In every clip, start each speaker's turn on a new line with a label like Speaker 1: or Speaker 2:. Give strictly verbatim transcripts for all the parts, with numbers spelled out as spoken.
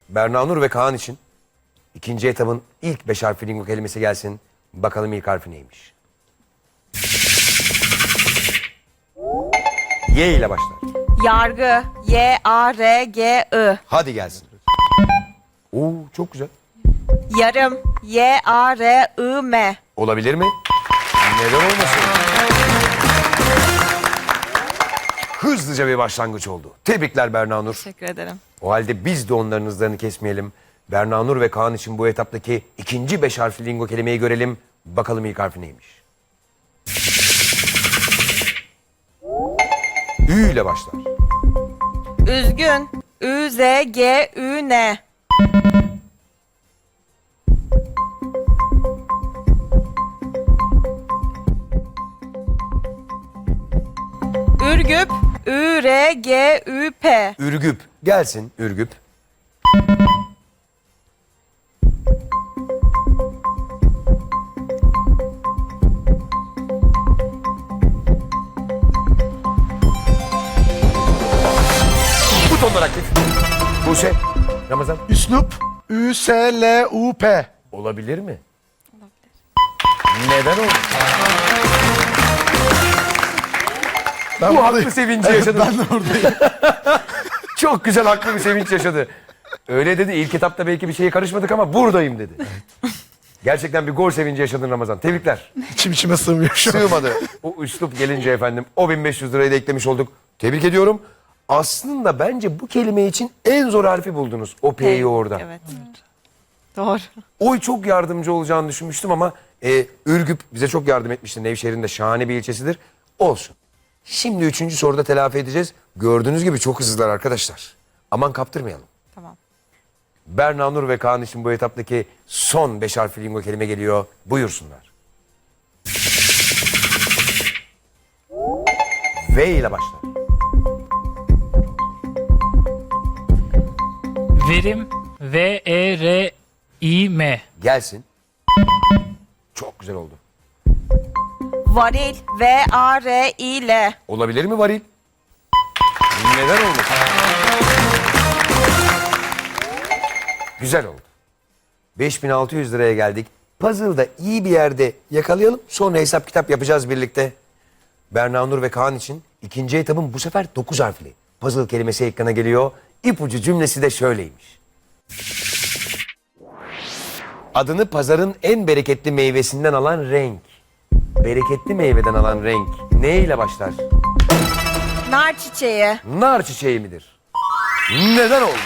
Speaker 1: Berna Nur ve Kaan için ikinci etabın ilk beş harfli lingo kelimesi gelsin. Bakalım ilk harfi neymiş? Y ile başlar.
Speaker 2: Yargı. Y A R G I.
Speaker 1: Hadi gelsin. Oo, çok güzel.
Speaker 2: Yarım. Y A R I M.
Speaker 1: Olabilir mi? Neden olmasın? Hızlıca bir başlangıç oldu. Tebrikler Berna Nur.
Speaker 2: Teşekkür ederim.
Speaker 1: O halde biz de onların hızlarını kesmeyelim. Berna Nur ve Kaan için bu etaptaki ikinci beş harfli lingo kelimeyi görelim. Bakalım ilk harfi neymiş? Ü ile başlar.
Speaker 2: Üzgün. Ü Z G Ü N. Ürgüp. Ü R G Ü P.
Speaker 1: Ürgüp. Gelsin Ürgüp. Butonlar aktif. Buse. Ramazan.
Speaker 3: Üslup. Ü S L U P.
Speaker 1: Olabilir mi? Neden oldu?
Speaker 3: Ben
Speaker 1: Bu
Speaker 3: buradayım.
Speaker 1: haklı sevinci
Speaker 3: Evet,
Speaker 1: yaşadım.
Speaker 3: ben de oradayım.
Speaker 1: Çok güzel haklı bir sevinç yaşadı. Öyle dedi, ilk etapta belki bir şeye karışmadık ama buradayım dedi. Gerçekten bir gol sevinci yaşadın Ramazan. Tebrikler.
Speaker 3: İçim içime sığmıyor şu an.
Speaker 1: Sığmadı. O üslup gelince efendim o bin beş yüz lirayı da eklemiş olduk. Tebrik ediyorum. Aslında bence bu kelime için en zor harfi buldunuz. O P'yi orada.
Speaker 2: Evet. Doğru.
Speaker 1: Oy çok yardımcı olacağını düşünmüştüm ama e, Ürgüp bize çok yardım etmişti. Nevşehir'in de şahane bir ilçesidir. Olsun. Şimdi üçüncü soruda telafi edeceğiz. Gördüğünüz gibi çok hızlılar arkadaşlar. Aman kaptırmayalım.
Speaker 2: Tamam.
Speaker 1: Berna Nur ve Kaan için bu etaptaki son beş harfli lingo kelime geliyor. Buyursunlar. V ile başlar.
Speaker 4: Verim. V E R I M.
Speaker 1: Gelsin. Çok güzel oldu.
Speaker 2: Varil. V A R I L.
Speaker 1: Olabilir mi varil? Neden oldu? Güzel oldu. beş bin altı yüz liraya geldik. Puzzle'da iyi bir yerde yakalayalım. Sonra hesap kitap yapacağız birlikte. Berna Nur ve Kaan için ikinci etapın bu sefer dokuz harfli. Puzzle kelimesi ekrana geliyor. İpucu cümlesi de şöyleymiş. Adını pazarın en bereketli meyvesinden alan renk. Bereketli meyveden alan renk ne ile başlar?
Speaker 2: Nar çiçeği.
Speaker 1: Nar çiçeği midir? Neden olmasın?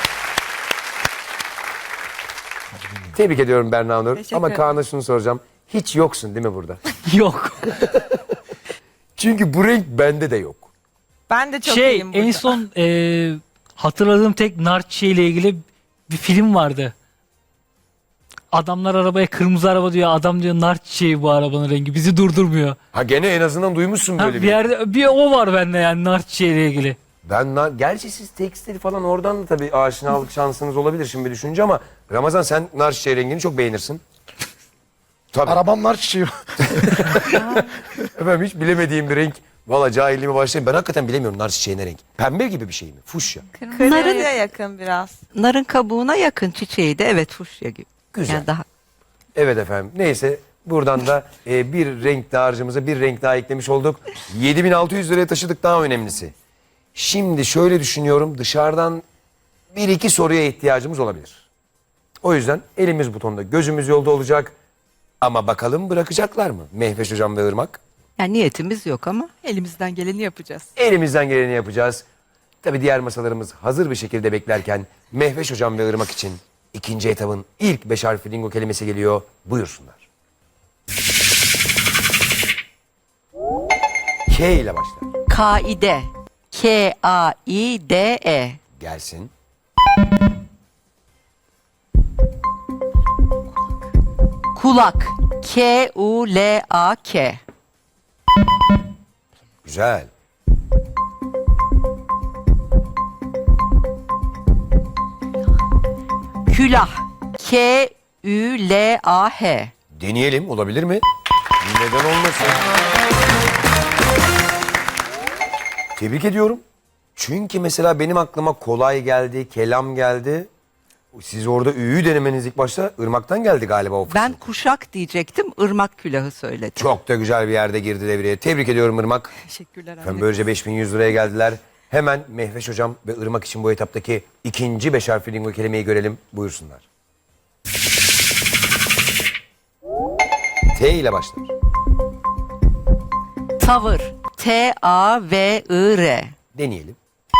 Speaker 1: Tebrik ediyorum Berna Nur.
Speaker 2: Teşekkür
Speaker 1: Ama
Speaker 2: ederim.
Speaker 1: Kaan'a şunu soracağım. Hiç yoksun değil mi burada?
Speaker 4: Yok.
Speaker 1: Çünkü bu renk bende de yok.
Speaker 2: Ben de çok
Speaker 4: şey
Speaker 2: iyiyim burada.
Speaker 4: en son e, hatırladığım tek nar çiçeği ile ilgili bir film vardı. Adamlar arabaya kırmızı araba diyor. Adam diyor nar çiçeği bu arabanın rengi. Bizi durdurmuyor.
Speaker 1: Ha gene en azından duymuşsun
Speaker 4: Ha,
Speaker 1: böyle
Speaker 4: bir
Speaker 1: bir.
Speaker 4: yerde bir o var bende yani nar çiçeği ile ilgili.
Speaker 1: Ben nar, gerçi siz tekstil falan oradan da tabii aşinalık şansınız olabilir şimdi düşünce ama Ramazan sen nar çiçeği rengini çok beğenirsin. Tabii.
Speaker 3: Arabamlar çiçeği.
Speaker 1: Efendim hiç bilemediğim bir renk. Valla cahilliğime başlayayım. Ben hakikaten bilemiyorum nar çiçeği ne renk. Pembe gibi bir şey mi? Fuşya.
Speaker 2: Kırmızıya yakın biraz.
Speaker 5: Narın kabuğuna yakın çiçeği de evet fuşya gibi.
Speaker 1: Güzel.
Speaker 5: Yani daha
Speaker 1: Evet efendim. Neyse buradan da e, bir renk daha harcımıza bir renk daha eklemiş olduk. yedi bin altı yüz liraya taşıdık daha önemlisi. Şimdi şöyle düşünüyorum dışarıdan bir iki soruya ihtiyacımız olabilir. O yüzden elimiz butonda gözümüz yolda olacak. Ama bakalım bırakacaklar mı Mehveş Hocam ve Irmak?
Speaker 5: yani niyetimiz yok ama
Speaker 6: Elimizden geleni yapacağız.
Speaker 1: Elimizden geleni yapacağız. Tabii diğer masalarımız hazır bir şekilde beklerken Mehveş Hocam ve Irmak için ikinci etabın ilk beş harfli lingo kelimesi geliyor. Buyursunlar. K ile başlar.
Speaker 5: kaide. K A I D E.
Speaker 1: Gelsin.
Speaker 5: Kulak. K U L A K.
Speaker 1: Güzel.
Speaker 5: Külah. K Ü L A H.
Speaker 1: Deneyelim olabilir mi? Neden olmasın? Tebrik ediyorum. Çünkü mesela benim aklıma kolay geldi, kelam geldi. Siz orada ü'yü denemeniz ilk başta ırmaktan geldi galiba o fısıltı.
Speaker 5: Ben kuşak diyecektim. Irmak külahı söyledim.
Speaker 1: Çok da güzel bir yerde girdi devreye. Tebrik ediyorum Irmak.
Speaker 5: Teşekkürler.
Speaker 1: Efendim böylece beş bin yüz liraya geldiler. Hemen Mehveş Hocam ve Irmak için bu etaptaki ikinci beş harfli lingo kelimeyi görelim. Buyursunlar. T ile başlar.
Speaker 5: Tavır. T A V I R.
Speaker 1: Deneyelim.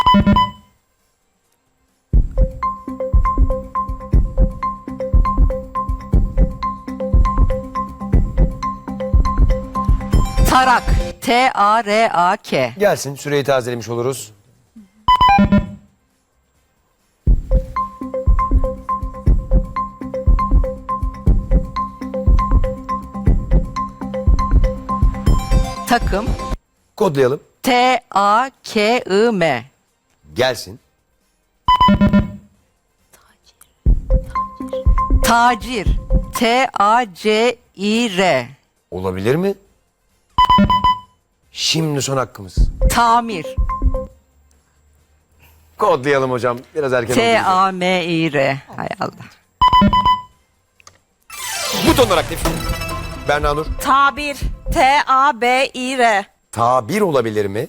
Speaker 5: Tarak. T A R A K.
Speaker 1: Gelsin, süreyi tazelemiş oluruz.
Speaker 5: Takım.
Speaker 1: Kodlayalım.
Speaker 5: T A K I M.
Speaker 1: Gelsin.
Speaker 5: Tacir. T A C İ R.
Speaker 1: Olabilir mi? Şimdi son hakkımız.
Speaker 5: Tamir.
Speaker 1: Kodlayalım hocam. Biraz erken
Speaker 5: T
Speaker 1: oldu.
Speaker 5: A M İ R. Hay Allah.
Speaker 1: Butonlar aktif. Berna Nur.
Speaker 2: Tabir. T A B İ R.
Speaker 1: Tabir olabilir mi?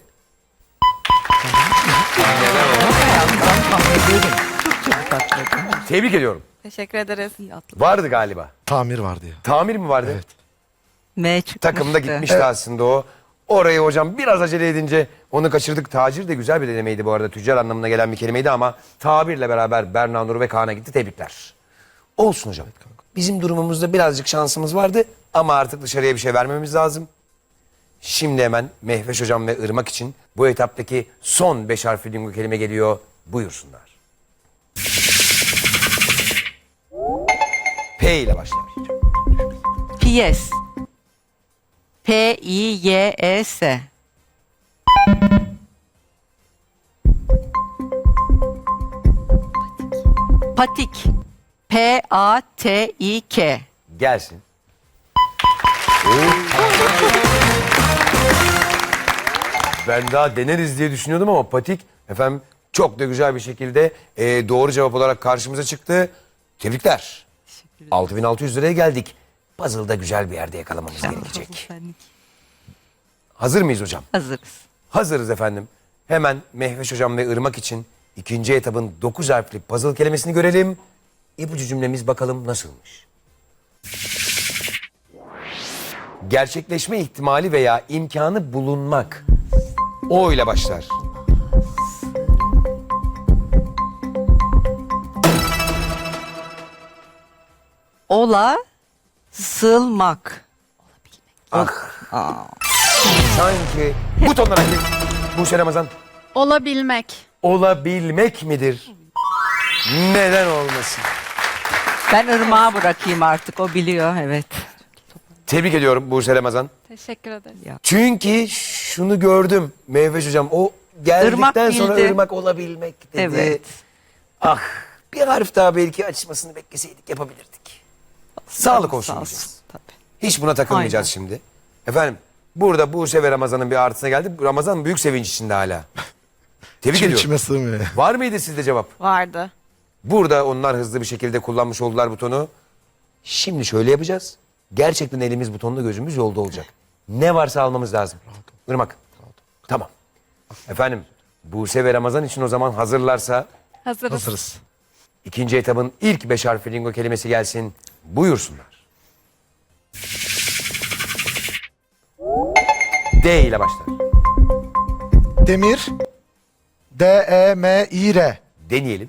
Speaker 1: Tebrik ediyorum.
Speaker 2: Teşekkür ederiz.
Speaker 1: Vardı galiba.
Speaker 3: Tamir vardı ya.
Speaker 1: Tamir mi vardı?
Speaker 3: Evet.
Speaker 5: M çıkmıştı.
Speaker 1: Takımda gitmişti aslında o. Orayı hocam biraz acele edince onu kaçırdık. Tacir de güzel bir denemeydi bu arada. Tüccar anlamına gelen bir kelimeydi ama tabirle beraber Berna Nur ve Kaan'a gitti. Tebrikler. Olsun hocam. Bizim durumumuzda birazcık şansımız vardı ama artık dışarıya bir şey vermemiz lazım. Şimdi hemen Mehveş hocam ve Irmak için bu etaptaki son beş harfli lingo kelime geliyor. Buyursunlar. P ile başlar.
Speaker 5: Piyes. P I Y E S. Patik. P A T İ K.
Speaker 1: Gelsin. Ben daha deneriz diye düşünüyordum ama patik efendim çok da güzel bir şekilde e, doğru cevap olarak karşımıza çıktı. Tebrikler. altı bin altı yüz liraya geldik. Puzzle'da güzel bir yerde yakalamamız gerekecek. Hazır mıyız hocam?
Speaker 5: Hazırız.
Speaker 1: Hazırız efendim. Hemen Mehveş hocam ve Irmak için ikinci etabın dokuz harfli puzzle kelimesini görelim. İpucu cümlemiz bakalım nasılmış? Gerçekleşme ihtimali veya imkanı bulunmak. O ile başlar.
Speaker 5: Ola. Sılmak.
Speaker 1: Ah. Sanki butonlara gir. Buse Ramazan.
Speaker 6: Olabilmek.
Speaker 1: Olabilmek midir? Neden olmasın?
Speaker 5: Ben ırmağa bırakayım artık. O biliyor. Evet.
Speaker 1: Tebrik ediyorum Buse Ramazan.
Speaker 6: Teşekkür ederiz.
Speaker 1: Çünkü şunu gördüm Mehveş hocam. O geldikten
Speaker 5: Irmak
Speaker 1: sonra
Speaker 5: bildi.
Speaker 1: ırmak olabilmek dedi.
Speaker 5: Evet.
Speaker 1: Ah bir harf daha belki açmasını bekleseydik yapabilirdik. Sağlık olsun
Speaker 5: Sağ
Speaker 1: diyeceğiz.
Speaker 5: olsun. Tabii.
Speaker 1: Hiç buna takılmayacağız
Speaker 5: Aynen.
Speaker 1: şimdi. Efendim burada Buse ve Ramazan'ın bir artısına geldi. Ramazan büyük sevinç içinde hala. Tebrik
Speaker 3: İçim
Speaker 1: ediyorum.
Speaker 3: içime sığmıyor.
Speaker 1: Var mıydı sizde cevap?
Speaker 2: Vardı.
Speaker 1: Burada onlar hızlı bir şekilde kullanmış oldular butonu. Şimdi şöyle yapacağız. Gerçekten elimiz butonla gözümüz yolda olacak. Ne varsa almamız lazım. Irmak. Tamam. Efendim Buse ve Ramazan için o zaman hazırlarsa
Speaker 6: Hazırız.
Speaker 3: Hazırız.
Speaker 1: ikinci etabın ilk beş harfli lingo kelimesi gelsin. Buyursunlar. D ile başlar.
Speaker 3: Demir. D E M İ R.
Speaker 1: Deneyelim.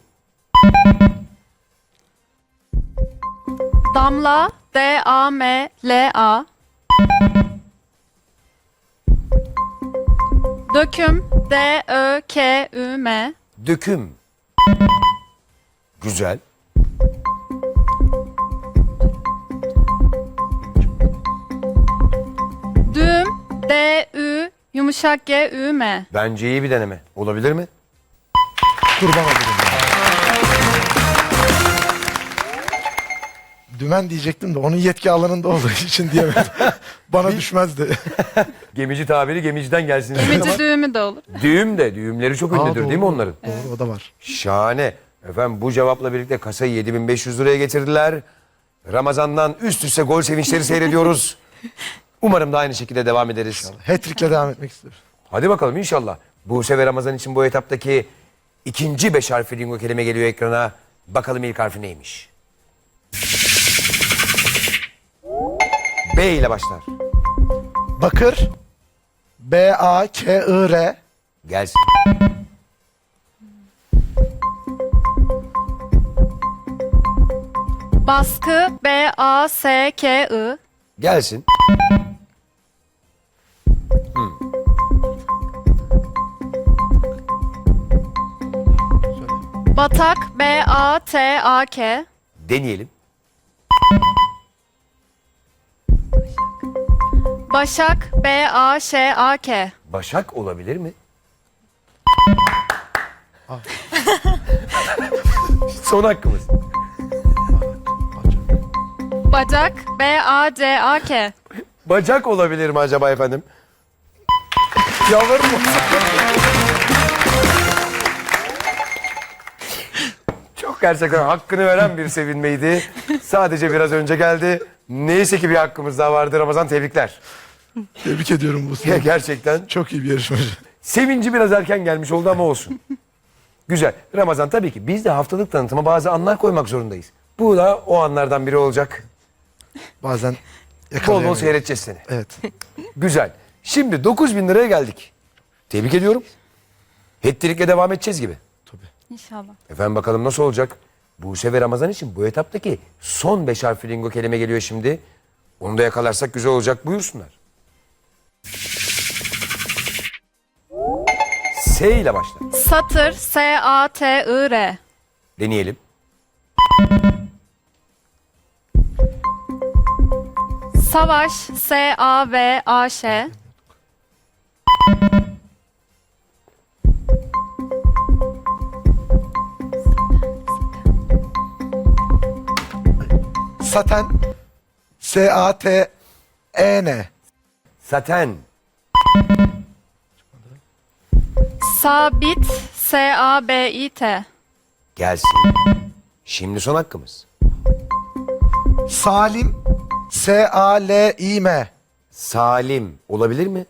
Speaker 6: Damla. D A M L A. Döküm. D Ö K Ü M.
Speaker 1: Döküm. Güzel.
Speaker 6: Düğüm. D Ü yumuşak G Ü M.
Speaker 1: Bence iyi bir deneme. Olabilir mi?
Speaker 3: Kurban olurum ya. Dümen diyecektim de onun yetki alanında olduğu için diyemedim. Bana düşmezdi.
Speaker 1: Gemici tabiri gemiciden gelsin.
Speaker 6: Gemici düğümü de olur.
Speaker 1: Düğüm de. Düğümleri çok ünlüdür
Speaker 3: Aa,
Speaker 1: değil mi
Speaker 3: doğru.
Speaker 1: onların?
Speaker 3: Doğru o da var.
Speaker 1: Şahane. Efendim bu cevapla birlikte kasayı yedi bin beş yüz liraya getirdiler. Ramazan'dan üst üste gol sevinçleri seyrediyoruz. Umarım da aynı şekilde devam ederiz.
Speaker 3: Hat-trick'le devam etmek istiyorum.
Speaker 1: Hadi bakalım inşallah. Buse ve Ramazan için bu etaptaki ikinci beş harfli lingo kelime geliyor ekrana. Bakalım ilk harfi neymiş? B ile başlar.
Speaker 3: Bakır. B A K I R.
Speaker 1: Gelsin.
Speaker 6: Baskı B A S K I.
Speaker 1: Gelsin.
Speaker 6: Batak B A T A K.
Speaker 1: Deneyelim.
Speaker 6: Başak B A Ş A K.
Speaker 1: Başak olabilir mi? Son hakkımız.
Speaker 6: Bacak B A C A K.
Speaker 1: Bacak olabilir mi acaba efendim?
Speaker 3: Yalvarırım.
Speaker 1: Çok gerçekten hakkını veren bir sevinmeydi. Sadece biraz önce geldi. Neyse ki bir hakkımız daha vardı. Ramazan tebrikler.
Speaker 3: Tebrik ediyorum
Speaker 1: Ya
Speaker 3: Buse.
Speaker 1: gerçekten
Speaker 3: Çok iyi bir yarışmacı.
Speaker 1: sevinci biraz erken gelmiş oldu ama olsun. Güzel. Ramazan tabii ki biz de haftalık tanıtıma bazı anlar koymak zorundayız. Bu da o anlardan biri olacak.
Speaker 3: Bazen
Speaker 1: Bol bol
Speaker 3: yakalayamıyorum.
Speaker 1: seyredeceğiz seni.
Speaker 3: Evet.
Speaker 1: Güzel. Şimdi dokuz bin liraya geldik. Tebrik ediyorum. Hattrick'le devam edeceğiz gibi.
Speaker 6: İnşallah.
Speaker 1: Efendim bakalım nasıl olacak? Buse ve Ramazan için bu etaptaki son beş harfli lingo kelime geliyor şimdi. Onu da yakalarsak güzel olacak. Buyursunlar. S ile başlar.
Speaker 6: Satır S A T I R.
Speaker 1: Deneyelim.
Speaker 6: Savaş S A V A Ş.
Speaker 3: Saten. S A T E N.
Speaker 1: Saten.
Speaker 6: Sabit S A B İ T.
Speaker 1: Gelsin. Şimdi son hakkımız.
Speaker 3: Salim. S A L İ M.
Speaker 1: Salim olabilir mi?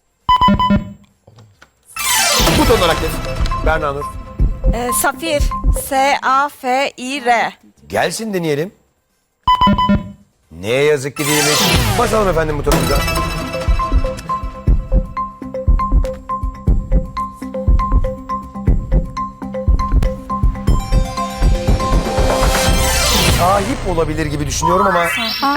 Speaker 1: Buton olarak geç. Berna Nur.
Speaker 2: Ee, Safir. S A F İ R.
Speaker 1: Gelsin deneyelim. Ne yazık ki değilmiş. Basalım efendim butonumuza. Sahip olabilir gibi düşünüyorum ama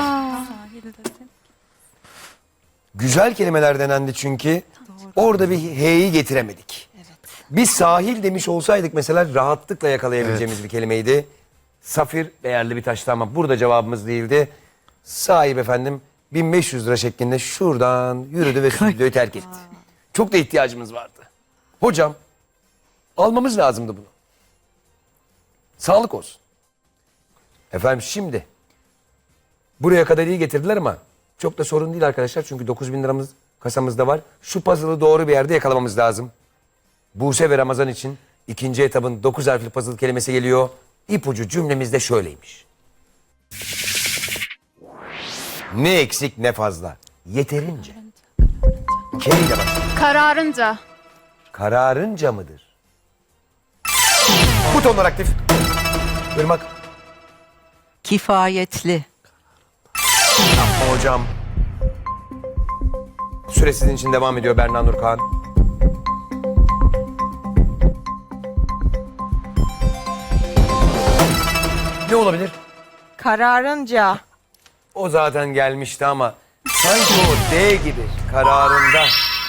Speaker 1: güzel kelimeler denendi çünkü orada bir H'yi getiremedik. Biz sahil demiş olsaydık mesela rahatlıkla yakalayabileceğimiz bir kelimeydi. Safir değerli bir taştı ama burada cevabımız değildi. Sahip efendim bin beş yüz lira şeklinde şuradan yürüdü ve stüdyoyu terk etti. Çok da ihtiyacımız vardı. Hocam almamız lazımdı bunu. Sağlık olsun. Efendim şimdi buraya kadar iyi getirdiler ama çok da sorun değil arkadaşlar. Çünkü dokuz bin liramız kasamızda var. Şu puzzle'ı doğru bir yerde yakalamamız lazım. Buse ve Ramazan için ikinci etabın dokuz harfli puzzle kelimesi geliyor. İpucu cümlemiz de şöyleymiş. Ne eksik ne fazla. Yeterince. K ile başlar.
Speaker 6: Kararınca.
Speaker 1: Kararınca mıdır? Butonlar aktif. Irmak.
Speaker 5: Kifayetli.
Speaker 1: Yapma hocam. Süre sizin için devam ediyor Berna Nurkan. Ne olabilir?
Speaker 2: Kararınca.
Speaker 1: O zaten gelmişti ama sanki o D gibi kararında.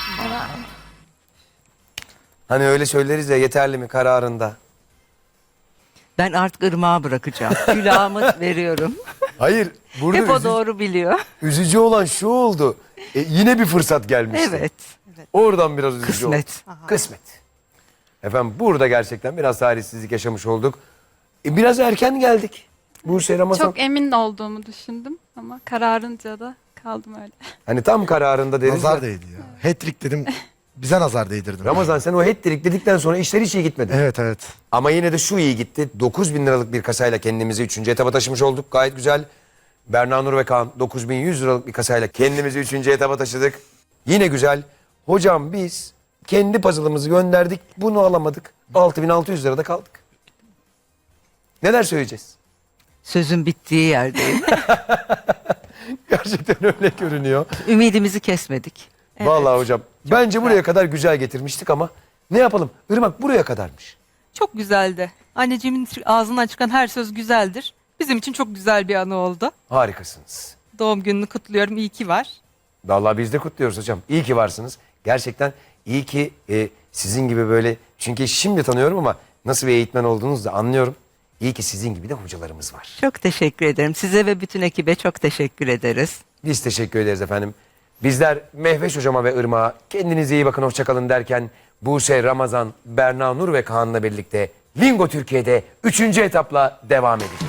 Speaker 1: Hani öyle söyleriz ya yeterli mi kararında.
Speaker 5: Ben artık ırmağa bırakacağım. Külahımı veriyorum.
Speaker 1: Hayır burada
Speaker 5: Hep o
Speaker 1: üzü-
Speaker 5: doğru biliyor.
Speaker 1: üzücü olan şu oldu. E, yine bir fırsat gelmişti.
Speaker 5: Evet.
Speaker 1: Oradan biraz üzücü
Speaker 5: Kısmet.
Speaker 1: oldu. Kısmet. Efendim burada gerçekten biraz talihsizlik yaşamış olduk. E, biraz erken geldik. Buse Ramazan.
Speaker 6: Çok emin olduğumu düşündüm ama kararınca da kaldım öyle.
Speaker 1: Hani tam kararında deriz.
Speaker 3: Nazar
Speaker 1: ya.
Speaker 3: değdi ya. Hat-trick dedim. Bize nazar değdirdim.
Speaker 1: Ramazan sen o hat-trick dedikten sonra işler hiç iyi gitmedi.
Speaker 3: Evet evet.
Speaker 1: Ama yine de şu iyi gitti. dokuz bin liralık bir kasayla kendimizi üçüncü etaba taşımış olduk. Gayet güzel. Berna Nur ve Kaan dokuz bin yüz liralık bir kasayla kendimizi üçüncü etaba taşıdık. Yine güzel. Hocam biz kendi puzzle'ımızı gönderdik. Bunu alamadık. altı bin altı yüz lirada kaldık. Neler söyleyeceğiz?
Speaker 5: Sözün bittiği yerdeyim.
Speaker 1: Gerçekten öyle görünüyor.
Speaker 5: Ümidimizi kesmedik.
Speaker 1: Vallahi hocam. Bence buraya kadar güzel getirmiştik ama ne yapalım? Irmak buraya kadarmış.
Speaker 7: Çok güzeldi. Anneciğimin ağzından çıkan her söz güzeldir. Bizim için çok güzel bir anı oldu.
Speaker 1: Harikasınız.
Speaker 7: Doğum gününü kutluyorum. İyi ki var.
Speaker 1: Vallahi biz de kutluyoruz hocam. İyi ki varsınız. Gerçekten iyi ki e, sizin gibi böyle... Çünkü şimdi tanıyorum ama nasıl bir eğitmen olduğunuzu da anlıyorum. İyi ki sizin gibi de hocalarımız var.
Speaker 5: Çok teşekkür ederim. Size ve bütün ekibe çok teşekkür ederiz.
Speaker 1: Biz teşekkür ederiz efendim. Bizler Mehveş hocama ve Irmak'a kendinize iyi bakın, hoşçakalın derken Buse, Ramazan, Berna Nur ve Kaan'la birlikte Lingo Türkiye'de üçüncü etapla devam edeceğiz.